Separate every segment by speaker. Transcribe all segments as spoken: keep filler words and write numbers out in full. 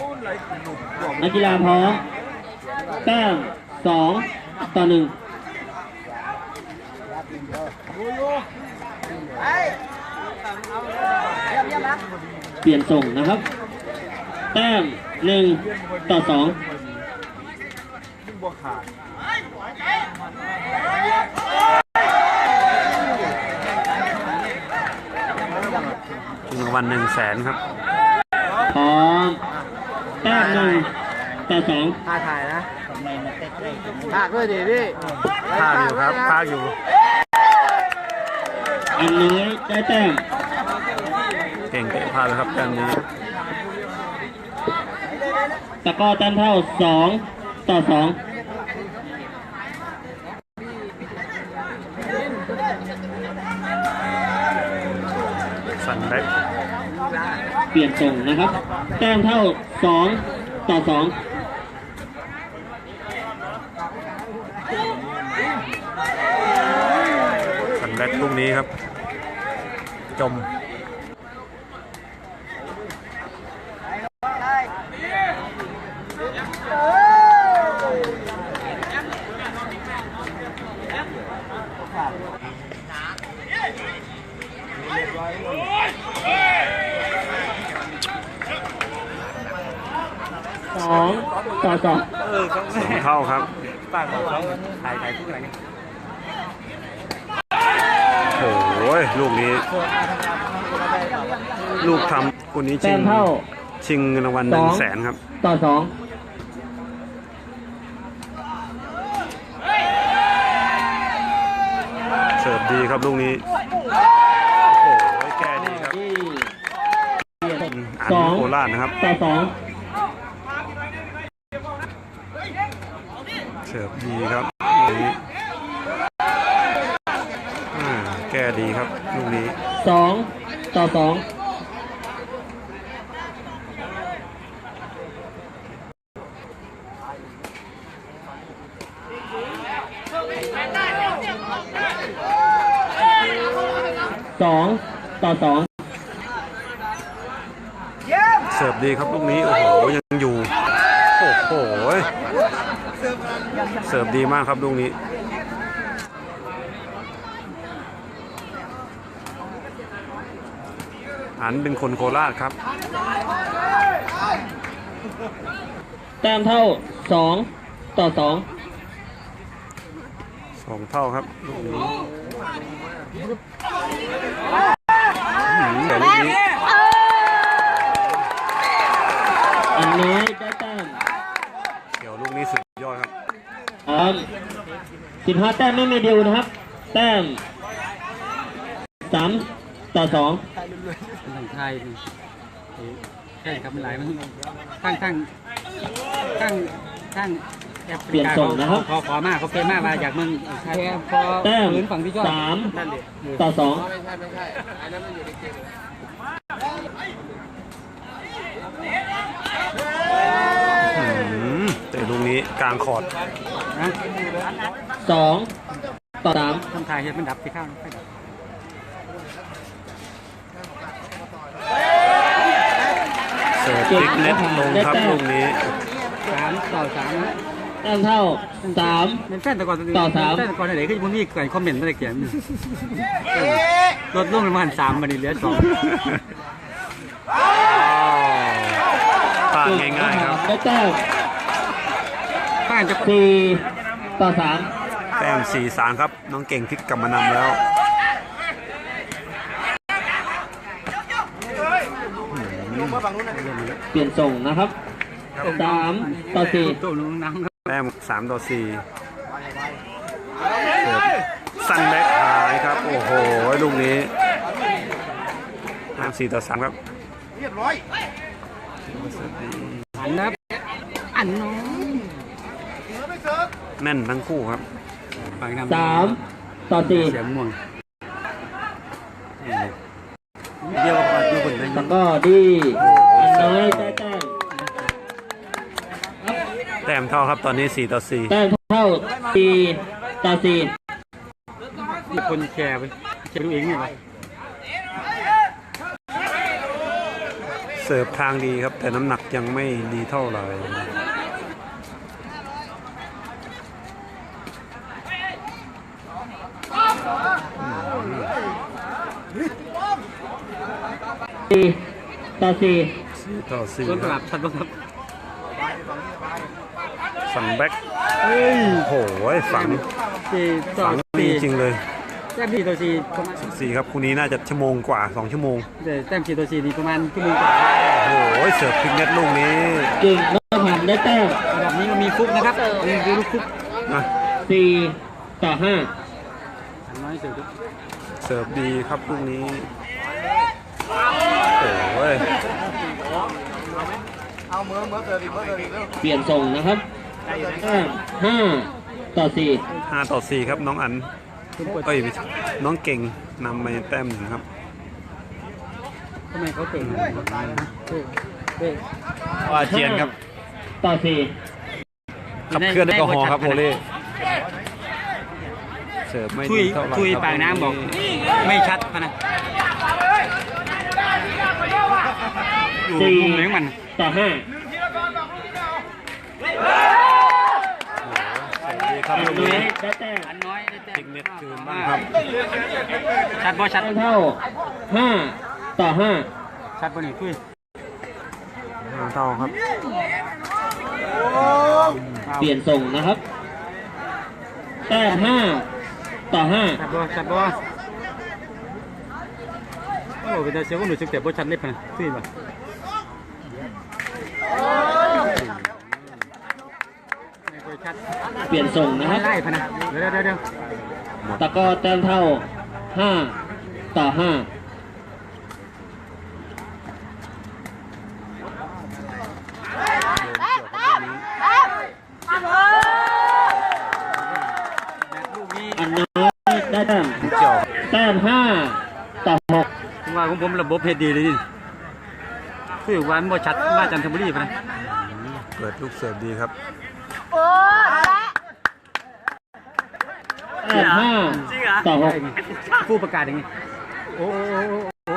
Speaker 1: นักกีฬาพร้อมแต้มสองต่อหนึ่งเปลี่ยนส่งนะครับแต้มหนึ่งต่อสอง
Speaker 2: ชิงรางวัลหนึ่งแสนครับ
Speaker 1: พร้อมแต้มหนึ่งต่อสอง
Speaker 3: ท่าถ่ายนะภาคด้วยดิพี่
Speaker 2: ภาคอยู่ครับภาคอยู่
Speaker 1: อันน้อยได้แต้ม
Speaker 2: เก่งเตะพลาดเลยครับการนี้
Speaker 1: ตะก้อแต้มเท่าสองต่อสอง
Speaker 2: สันเล็ก
Speaker 1: เปลี่ยนส่งนะครับแต้มเท่าสองต่อสอง
Speaker 2: สันเล็กลูกนี้ครับจม
Speaker 1: สองต่อสอง
Speaker 2: สองเท่าครับ
Speaker 3: ปากของเขาถ่ายถ่ายทุกอะไรกัน
Speaker 2: โอ้ยลูกนี้ลูกทำคนนี้ชิงชิงเงินรางวัลหนึ่งแสนครับ
Speaker 1: ต่อสอง
Speaker 2: เสิร์ฟดีครับลูกนี้โอ้โหแก้ดีครับ
Speaker 1: สอง
Speaker 2: โคราชนะครับ
Speaker 1: ต่อสอง
Speaker 2: เสิร์ฟดีครับลูกนี้แก้ดีครับลูกนี้
Speaker 1: สองต่อสองสองต่อสอง
Speaker 2: เสิร์ฟดีครับลูกนี้โอ้โหยังอยู่โอ้โหเสิร์ฟดีมากครับลูกนี้อันเป็นคนโคราชครับ
Speaker 1: แต้มเท่าสองต่อสอง
Speaker 2: สองเท่าครับลูกนี้แต่ลูกนี้
Speaker 1: อันน้อยได้แต้ม
Speaker 2: เกี่ยวลูกนี้สุดยอดครับ
Speaker 1: อ๋อสิบห้าแต้มไม่มีดิวนะครับแต้มสามต่อสอง
Speaker 3: ทางไทยใช่ครับมันหลายมันข้างข้างข้างข้าง
Speaker 1: เปลี่ยนส่งนะครับ
Speaker 3: ขอขอมากเขาเป็นมากมาจากเมือง
Speaker 1: แต้มสามต่อสอง
Speaker 2: แต่ลูกนี้กลางคอร์ด
Speaker 1: สองต่อสาม
Speaker 3: ทำไทยมันดับที่ข้าง
Speaker 2: เสิร์ฟติ๊กเน็ตลงครับลูกนี้
Speaker 3: สามต่อสาม
Speaker 1: แต้มเท่าสาม
Speaker 3: เป็นแฟนแต่ก่อน
Speaker 1: ต่อสาม
Speaker 3: แฟนแต่ก่อนไหนก็ยังมีเกิดคอมเมนต์อะไรเขียนลดลงประมาณสามวันนี้เหลือสอง
Speaker 2: พลาดง่ายๆครับ
Speaker 1: ได้แต้ม
Speaker 3: ผ่านจะ
Speaker 1: สี่ต่อสาม
Speaker 2: แต้มสี่สามครับน้องเก่งพลิกกลับมานำแล้ว
Speaker 1: เปลี่ยนส่งนะครับสามต่อสี่
Speaker 2: แต้มสามต่อสี่สั้นแบ็คหายครับโอ้โหลูกนี้แต้มสี่ต่อสามครับเรียบร้อย
Speaker 3: อันนับอันน้อง
Speaker 2: แน่นทั้งคู่ครับ
Speaker 1: สามต่อสี่
Speaker 3: เสียงม่วงเดียวกับดูคน
Speaker 1: แล้วก็ดีน้อยได้แต้ม
Speaker 2: แต้มเท่าครับตอนนี้สี่ต่อสี่
Speaker 1: แต้มเท่าสี่ต่อสี่
Speaker 3: มีคนแชร์ไปแชร์ดูเองไงวะ
Speaker 2: สิร์ฟทางดีครับ แต่น้ำหนักยังไม่ดีเท่าไหร่
Speaker 1: สี่ต่อสี่
Speaker 2: สี่ต่อสี่
Speaker 3: ต้น
Speaker 2: ค
Speaker 3: กลั
Speaker 2: รั
Speaker 3: บบ ชัดบ้างครับ
Speaker 2: ฝังแบ็ค
Speaker 3: เฮ้ย
Speaker 2: โอ้โหฝัง
Speaker 3: สี่ต่อ
Speaker 2: ฝังดี
Speaker 3: สี่
Speaker 2: จริงเลย
Speaker 3: แต้มสี่ต่อสี่ประมาณ
Speaker 2: สี่ครับคู่นี้น่าจะชั่วโมงกว่าสองชั่วโมง
Speaker 3: แต่แต้มสี่ต่อสี่นี่ประมาณชั่วโมงกว่า
Speaker 2: โอ้โหเสิร์ฟพลิกเน็ตลูกนี้
Speaker 1: เก่งแล้วผ่านได้แต้ม
Speaker 3: ระดับนี้ก็มีฟุกนะครับมีดูลูกฟุก
Speaker 2: นะ
Speaker 1: สี่ต่อห้า
Speaker 3: อันน้อยเสือครับ
Speaker 2: เสิร์ฟดีครับลูกนี้โอ้ย
Speaker 1: เปลี่ยนส่งนะครับแต้มห้าต่อสี่
Speaker 2: ห้าต่อสี่ครับน้องอัน
Speaker 3: คุณเปิด
Speaker 2: เอ้ยไม่ใช่น้องเก่งนำไปแต้มหนึ่งครับ
Speaker 3: ทำไมเขาเก่งเฮ้ยเฮ้ย
Speaker 2: ว่าเจียนครับ
Speaker 1: ต่อสี่
Speaker 2: ขับเคลื่อนแอลกอฮอล์ครับโอเล่เสิร์ฟไม่
Speaker 3: ทุย
Speaker 2: ดีเท่าไหร่
Speaker 3: ทุย
Speaker 2: ครับ
Speaker 3: ปากน้ำบอกไม่ชัดพะนะอยู่
Speaker 1: สี่
Speaker 3: มุมไหนของมัน
Speaker 1: ต่อห้า
Speaker 2: เสิร์ฟดีครับลูก
Speaker 1: ทุย
Speaker 2: นี้
Speaker 1: ได้แต้ม
Speaker 3: อันน้อยได้แต้
Speaker 2: พลิก
Speaker 3: ม
Speaker 2: เน็ตคืนบ้างครับ
Speaker 3: ชัดบ่ชัด
Speaker 1: แต้มเท่าห้าต่อห้า
Speaker 3: ชัดบ่นี่ทุย
Speaker 2: ห้าเท่าครับ
Speaker 1: เปลี่ยนส่งนะครับแต้มห้าต่อห้า
Speaker 3: ชัดบ่ชัดบ่โอ้เป็นตาเสียวก็หนูสึกแต่บ่ชัดเล็บพะนะทุยบ่ไม่ค่อยชัด
Speaker 1: เปลี่ยนส่งนะครับ
Speaker 3: ไล่พะนะเดี๋ยวเดี๋ยวเดี๋ยว
Speaker 1: ตะกร้อแต้มเท่าห้าต่อห้า
Speaker 3: แบบลูกนี้
Speaker 1: อันน้อยได้แต้ม
Speaker 2: เจ้า
Speaker 1: แต้มห้าต่อหก
Speaker 3: ผมว่าของผมระบบเฮ็ดดีเลยนี่คือว่ามันบ่ชัดมาจันทบุรีพะนะ
Speaker 2: เปิดลูกเสิร์ฟดีครับ
Speaker 1: แต้มห้าต่อหก
Speaker 3: ผู้ประกาศอย่างนี้โอ้โอ้โอ้โอ้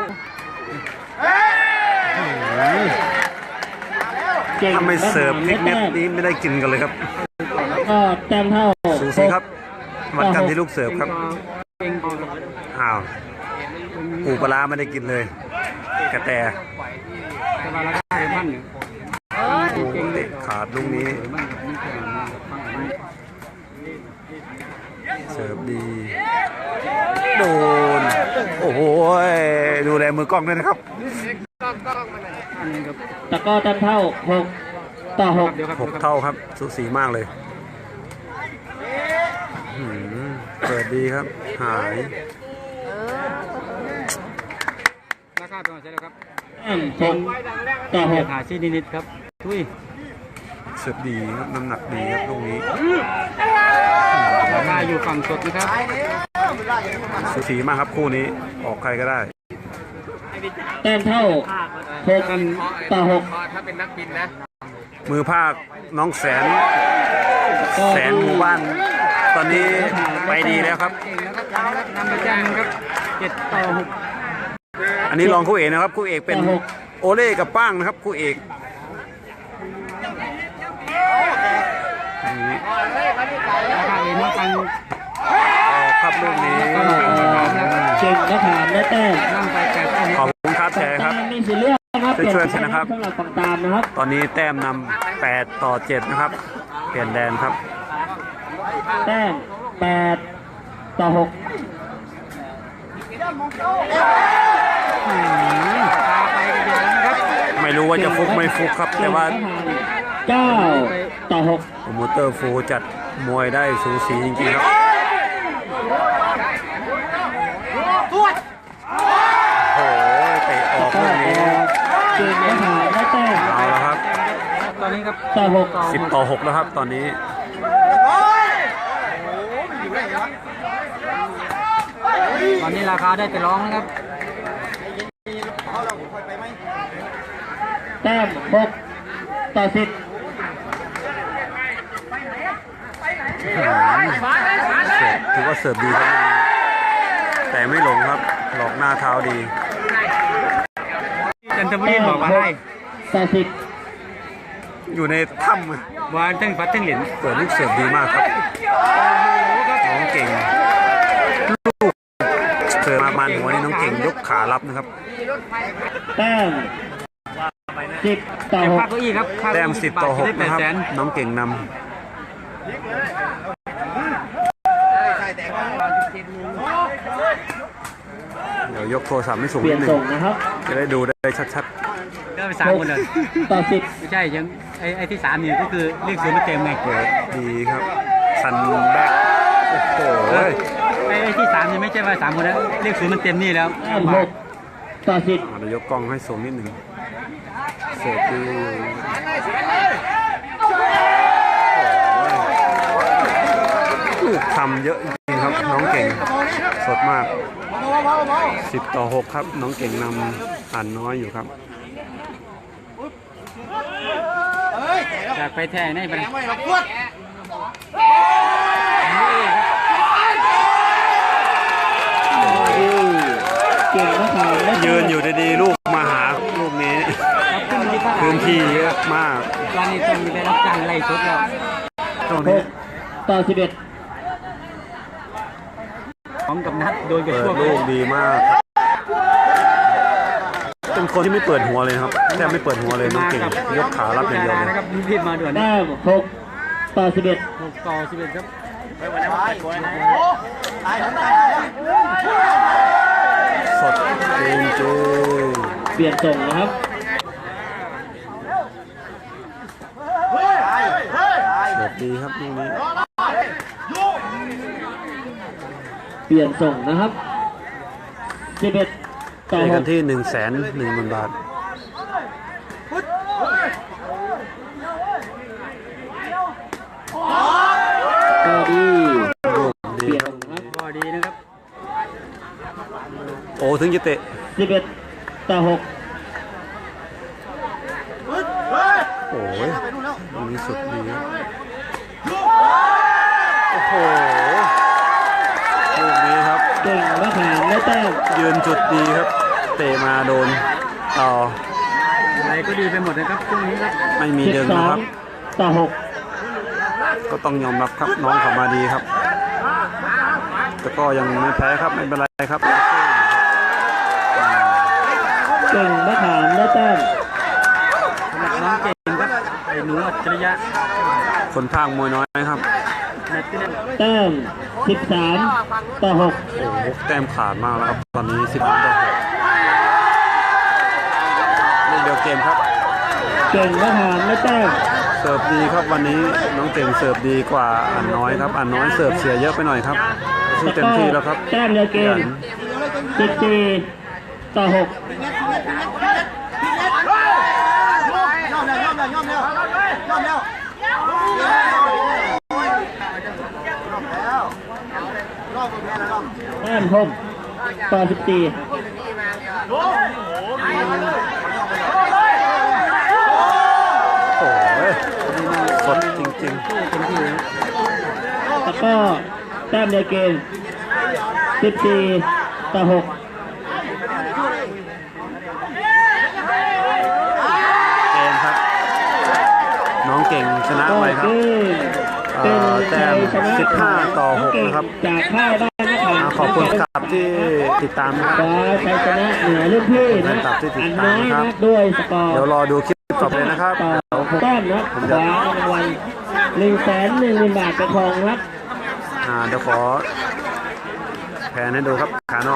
Speaker 1: เก่ง
Speaker 2: ถ้าไม่เสิร์ฟพลิกเน็ตนี้ไม่ได้กินกันเลยครับ
Speaker 1: ก็แต้มเท่า
Speaker 2: สูสีครับวัดกันที่ลูกเสิร์ฟครับ
Speaker 3: เก่งพอ
Speaker 2: อ้าวปูปลาร้าไม่ได้กินเลย กระแต
Speaker 3: แต่ว่าราคามันเนี่ย
Speaker 2: โอ้เตะขาดลูกนี้
Speaker 3: มันมันแพงฟังมัน
Speaker 2: เสิร์ฟดี โดน โอ้โหดูแลมือกล้องด้วยนะครับ
Speaker 3: อันนี้ครับ
Speaker 1: ตะกร้อแต้มเท่าหกต่อหก
Speaker 3: เดี๋ยวครับ
Speaker 2: หกเท่าครับสูสีมากเลยหืมเปิดดีครับ หาย
Speaker 3: ราคาเป็นไงใช่แล้วครับ
Speaker 1: แต้มหกต่อหก
Speaker 3: หาซีนิดๆครับทุย
Speaker 2: เสิร์ฟดีครับน้ำหนักดีครับลูกนี้
Speaker 3: ราคาอยู่ฝั่งสดนะครับ
Speaker 2: สูสีมากครับคู่นี้ออกใครก็ได้
Speaker 1: แต้มเท่าหกต่อหก
Speaker 2: มือภาคน้องแสน แสนหมู่บ้าน ตอนนี้ไปดีแล้วครับ
Speaker 3: เก่งแล้วครับนำไปแจ้งครับเจ็ดต่อหก
Speaker 2: อันนี้รองคู่เอกนะครับคู่เอกเป็นโอเล่กับป้างนะครับคู่เอกอันนี้
Speaker 3: ราคาเองมาฟัง
Speaker 2: ออกครับลูกนี้
Speaker 1: เก่งและผ่านได้แต้ม
Speaker 3: นั่งไปแปดต่อห
Speaker 2: ขอบ
Speaker 3: ก
Speaker 2: คุณครับแชร์ครับ
Speaker 1: ตามมีสิทธิ์เลือกนะครับ
Speaker 2: ช่วยๆนะครับ
Speaker 1: สำหรับฝั่งตามนะครับ
Speaker 2: ตอนนี้แต้มนำแปดต่อเจ็ดนะครับ เปลี่ยนแดนครับ
Speaker 1: แต้มแปดต่อหก
Speaker 3: พาไปกันเดียวนะครับ
Speaker 2: ไม่รู้ว่าจะฟุกไม่ฟุกครับ แต่ว่า
Speaker 1: เก้าต่อหก
Speaker 2: โปรโมเตอร์ฟูจัดมวยได้สูสีจริงๆครับโอ้โหเตะออกลูกนี้
Speaker 1: เก่งและผ่านได้แต้ม
Speaker 2: เอาแล้วครับ
Speaker 3: ตอนนี้ครับ
Speaker 1: ต่อหก
Speaker 2: สิบต่อหกแล้วครับตอนนี้
Speaker 3: ตอนนี้ราคาได้ไปร้องนะครับ
Speaker 1: แต้มหกต่อสิบ
Speaker 2: เสิร์ฟถือว่าเสิร์ฟดีครับ แต่ไม่หลงครับ หลอกหน้าเท้าดี
Speaker 3: จันทบุรีบอกว่าให้
Speaker 1: ต่อสิบ
Speaker 2: อยู่ในถ้ำ
Speaker 3: วานทั้งฟัดทั้งเหรียญ
Speaker 2: เปิดลูกเสิร์ฟดีมากครับน้องเก่งลูกเสิร์ฟมามันหัวนี่น้องเก่งยกขารับนะครับ
Speaker 1: แต้มสิบต่อหก
Speaker 3: ค่าเก้าอี้ครับค่า
Speaker 2: แต้
Speaker 3: เก้าม อี้
Speaker 2: สิบต่อหก
Speaker 3: ได้แป
Speaker 2: นะ
Speaker 3: ด
Speaker 2: ครับ
Speaker 3: แสน
Speaker 2: น้องเก่งนำเดี๋ยวยกโทรศัพท์ให้สูง
Speaker 1: เปลี่
Speaker 2: นิ
Speaker 1: ยน
Speaker 2: ดนึ
Speaker 1: ส่
Speaker 2: ง
Speaker 1: งนะครับ
Speaker 2: จะได้ดูได้ชัด
Speaker 3: ก็ไปสาม
Speaker 1: หก
Speaker 3: คนเลย
Speaker 1: ต่อสิบ
Speaker 3: ไม่ใช่ยังไอ้ไอ้ที่สามนี่ก็คือเลขศูนย์มันเต็มไง
Speaker 2: ๆเปิดดีครับซันแบ็คโอ้โห
Speaker 3: ไอ้ไอ้ที่สามนี่ไม่ใช่ว่าสามคนนะเลขศูนย์มันเต็มนี่แล้ว
Speaker 1: แต้มหกต่อสิบ
Speaker 2: เดี๋ยวยกกล้องให้สูงนิดหนึ่งเสิร์ฟดีลูกทำเยอะจริงๆครับน้องเก่งสดมากสิบต่อหกครับน้องเก่งนำอ่านน้อยอยู่ครับ
Speaker 3: อยากไปแท้ในไปเลย
Speaker 1: เก่งนะครับและ
Speaker 2: ยืนอยู่ดีๆลูกมาหาลูกนี้พื้นที่เยอะมาก
Speaker 3: ตอนนี้ต้องได้รับการไล่สดแล้ว
Speaker 2: ตรง
Speaker 1: ห
Speaker 2: นี้
Speaker 1: กต่อสิบเอ็ด
Speaker 3: ของกับนัดโดนกับ
Speaker 2: เปิ
Speaker 3: ช่ว
Speaker 2: ด
Speaker 3: ง
Speaker 2: ลูกดีมากครับเป็นคนที่ไม่เปิดหัวเลยครับแทบไม่เปิดหัวเลยน้องเก่งยกขารับอย่างเดียวเลย
Speaker 3: นะครับรีบมาด่วน
Speaker 1: แต้มหกต่อสิบเอ็ด
Speaker 3: หกต่อสิบเอ็ดครับ
Speaker 2: สดจริงจริง
Speaker 1: เปลี่ยนส่งนะครับ
Speaker 2: เสิร์ฟดีครับลูกนี้
Speaker 1: เปลี่ยนส่งนะครับสิบเอ็ดต่อ
Speaker 2: เจอ
Speaker 1: ห
Speaker 2: กั
Speaker 1: ก
Speaker 2: นที่หนึ่งแสนหนึ่งหมื่นบาท
Speaker 1: ก็ดี
Speaker 2: ลูก
Speaker 1: เป
Speaker 2: ดี
Speaker 1: ลี่ยน
Speaker 2: ครับ
Speaker 1: ส่งนะครับ
Speaker 3: ก็ดีนะครับ
Speaker 2: โอ้ถึงจะเตะ
Speaker 1: สิบเอ็ดต่อหก
Speaker 2: โอ้ยลูกนี้สุดดีครับโอ้โหลูกนี้ครับ
Speaker 1: เก่งมะขามและแต้ม
Speaker 2: ยืนจุดดีครับ เตะมาโดนต่อ
Speaker 3: อะไรก็ดีไปหมดนะครับช่วงนี้ครับ
Speaker 2: ไม่มี
Speaker 1: สิบ
Speaker 2: เดิน
Speaker 1: สอ
Speaker 2: นะค
Speaker 1: ง
Speaker 2: รับ
Speaker 1: ต่อหก
Speaker 2: ก็ต้องยอมรับครับน้องเขามาดีครับ แต่ก็ยังไม่แพ้ครับไม่เป็นไรครับ
Speaker 1: เก่งมะขามและแต้ม
Speaker 3: สำหรับน้องเก่งครับไอ้หนูอัจฉริยะ
Speaker 2: คนพากมวยน้อยครับ
Speaker 3: แมตช์ที่เล่น
Speaker 1: แต้มสิบสามต่อหก
Speaker 2: โอ้โหแต้มขาดมากแล้วครับตอนนี้สิบต่อหกลูกเดียวเกมครับ
Speaker 1: เก่งมะขามและแต้ม
Speaker 2: เสิร์ฟดีครับวันนี้น้องเก่งเสิร์ฟดีกว่าอันน้อยครับอันน้อยเสิร์ฟเสียเยอะไปหน่อยครับสู้เต็มที่แล้วครับ
Speaker 1: แต้มเดียวเกมสิบสี่ต่อหก แต้มหกต่อสิบสี่
Speaker 2: โอ้ยสดจริง
Speaker 3: สู้เต็มที่เลย
Speaker 1: แล้วก็แต้มเดียวเกมสิบสี่ต่อหก
Speaker 2: ๆเกมครับ น้องเก่งชนะ
Speaker 1: ก็
Speaker 2: ไปครับ
Speaker 1: คือ
Speaker 2: เอ่
Speaker 1: เป็น
Speaker 2: อแต้ม
Speaker 1: ชัยชนะ
Speaker 2: สิบห้าต่อหก
Speaker 1: เก่ง
Speaker 2: นะครับ
Speaker 1: จากค่ายบ้านมะขาม
Speaker 2: อ่าขอบคุณครับที่ติดตามนะครับ
Speaker 1: คว้าชัยชนะเหนือรุ่นพี่นะ
Speaker 2: ขอบคุณครับที่ติ
Speaker 1: อั
Speaker 2: ด
Speaker 1: น
Speaker 2: ตาม
Speaker 1: น้อย
Speaker 2: ครั
Speaker 1: นะ
Speaker 2: บ
Speaker 1: ด้วยสกอร์
Speaker 2: เดี๋ยวรอดูคลิปต่อไปนะครับ
Speaker 1: ต่อ
Speaker 2: เดี๋ยว
Speaker 1: หกแต้มนะ
Speaker 2: ผม
Speaker 1: ค
Speaker 2: จะ
Speaker 1: ว้ารางวัลหนึ่งแสนหนึ่งหมื่นบาทไปครองนะครับ
Speaker 2: อ่าเดี๋ยวขอแผนให้ดูครับขานอก